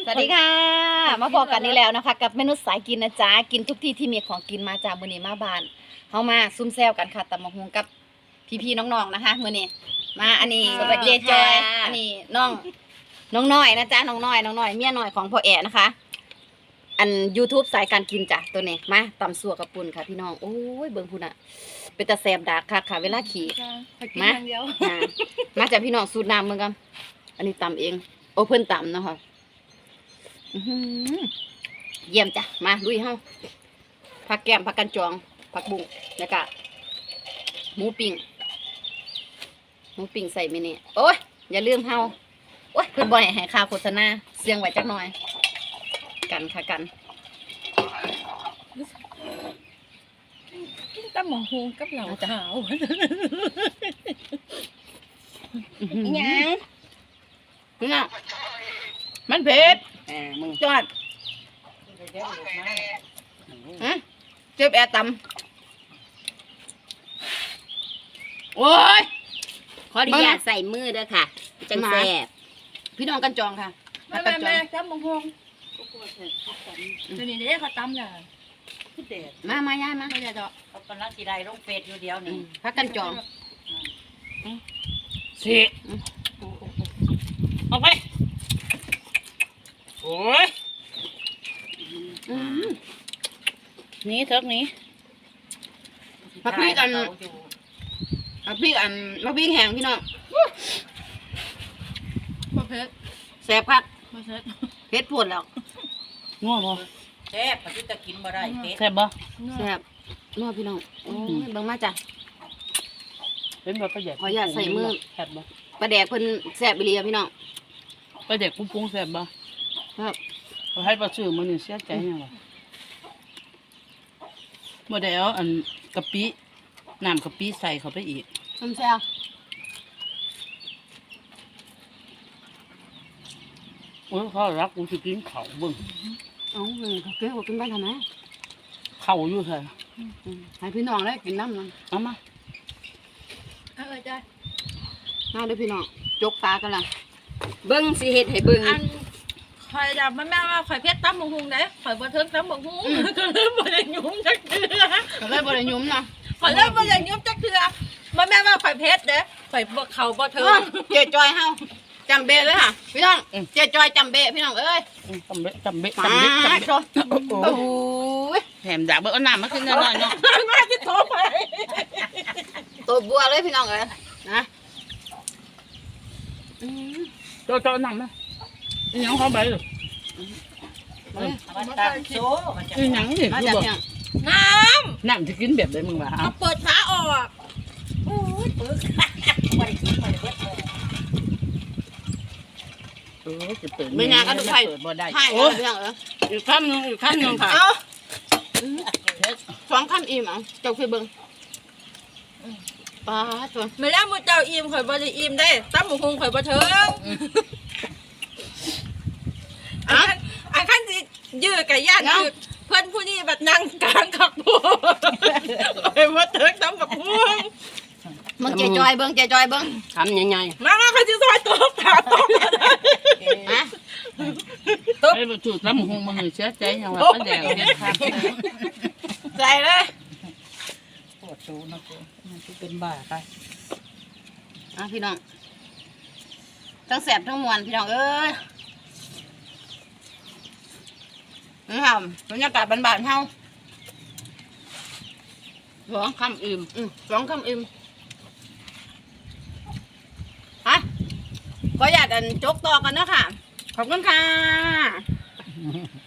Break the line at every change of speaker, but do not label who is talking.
สวัสดีค่ะมาพบกันนี่แล้วนะคะกับเมนูสายกินนะจ๊ะกินทุกที่ที่มีของกินมาจากมื้อนี้มาบ้านเฮามาซุ่มแซวกันค่ะตำบักหุ่งกับพี่ๆน้องๆนะคะมื้อนี้มาอันนี้เจจอยอันนี้น้องน้อยนะจ๊ะน้องน้อยเมียน้อยของพ่อแอ๋นะคะ อัน YouTube สายการกินจ้ะตัวนี้มาตำสัวกับปุ่นค่ะพี่น้องโอ้ยเบิ่งพุ่นอ่ะเป็นตาแซ่บดากค่ะเวลาขี่มาจากพี่น้องสูตรน้ำเมืองกันอันนี้ตำเองโอเพิ่นตำเนาะค่ะเยี่ยมจ้ะมาลุยเฮาผักแก้มผักกันจองผักบุ้งแล้วก็หมูปิ้งใส่มินิโอ้ยอย่าลืมเฮาโอ้ยเพิ่นบ่ให้ค่าโฆษณาเสียงไว้จักหน่อยกันค่ะกัน
ตำหมกฮูกับเหล่าขาว
ยังนี่มันเผ็ดมึงจอดเจ็บแอร์ตำโอ้ย
ขออนุญาตใส่มือด้วยค่ะจังแซ่บ
พี่น้องกันจองค่ะ
แม่ตำหมกฮูตัวนี้เด็กเขาตำเลย
มาย่ายมา
ไม่ได้ดอก
เขากำลังสีได้ลงเฟซอยู่เดียวนี่
พักกันจอง
สิออกไปโอ้ยนี่เทิกนี้
พักพี่กันพักพี่แห้งพี่น้อง
เผ็ด
แซ่บพักเผ็ดปวดแล้ว
ง้อบ่แซ่บปฏิตะกินบ่ได้แซ่บบ่
แซ่บนัวพี่น้องโอ้ยบังมาจ้ะ
เป็นแบบประหยัด
ขออยากใส่มือ
แซ่บบ่
ปลาแดกเพิ่นแซ่บไปเลยพี่น้อง
ปลาแดกปุ้งแซ่บบ่
ครับ
ให้ปลาชื่อมันนี่เสียใจยังวะบ่ได้เอาอันกะปิน้ำกะปิใส่เข้าไปอีก
ส้มแซ่บ
โอ้ยเขารักกูสิกินข้าวเบิ่ง
เขาเก๋กว่ากินบ้านทำไม
ข้าวอยู่ใส่
ให้พี่น้องได้กินน้ำนั่น
เอามา
จ้ะ
มาเด้อพี่น้องจกตากันละเบิ้งสิเฮ็ดให้เบิ้ง
อันข่อยจะแม่ว่าข่อยเพชรตำหมกฮูเด้ข่อยบ่เทิงตำหมกฮูก็เลยบ่ได้ยุ่มจักเทื่อ
ก็เลยบ่ได้ยุ่มนะ
ข่อยเลยบ่ได้ยุ่มจักเทื่อแม่ว่าข่อยเพชรเด้ข่อยบ่เข้าบ่เทิง
เจ๊จอยเฮาจำเบะเลยค่ะพี่น้องเจ๊จอยจำเบะพี่น้องเอ้ย
จำเบะ
โอ้ย
แถมด่าเบิ่งเอาน้ำมาขึ้นหน่อยเนาะ
มาที่โตไป
ตัวบัวเลยพี่น้องเอ้ยนะ
โจน้ำนะอีหยังเขาใบเลยอีหยังนี่
มาจาก
น้
ำจะกินแบบไหนมึงวะ
เอาเปิดฝาออกโอ้ยปึก
จะเปิด
ไม่นานก็ต้องไป
บ่ได้
โอ้ย
อีกขั้นนึงค่ะ
เอา2 ขั้นอิ่มเอาเจ้าเคยเบิ่งป้าตัว
ไม่แล้วมื้อเจ้าอิ่มข่อยบ่ได้อิ่มได้ตำหมกฮูข่อยบ่เทิงอันขั้นสิยื้อกับญาติคือเพื่อนผู้นี้แบบนั่งกลางขับพูไปว่าเถิกตำกับพู
มึงเจ๊จอยเบิ้ง
ทำยังไง
มาเขาจะซอยตัวขาตัว
ฮะตัวไอ้จุดน้ำหงมันเสียใจยังว่าป้าแดงเนี่ยครับ
ใจเลย
ปวดตูนะกูมันเป็นบ้าไป
พี่น้องทั้งแสบทั้งมวนพี่น้องเอ้ยนี่ค่ะบรรยากาศบ้านๆเฮา2 คำอิ่ม2 คำอิ่มฮะขออยากจกต่อกันนะค่ะขอบคุณค่ะ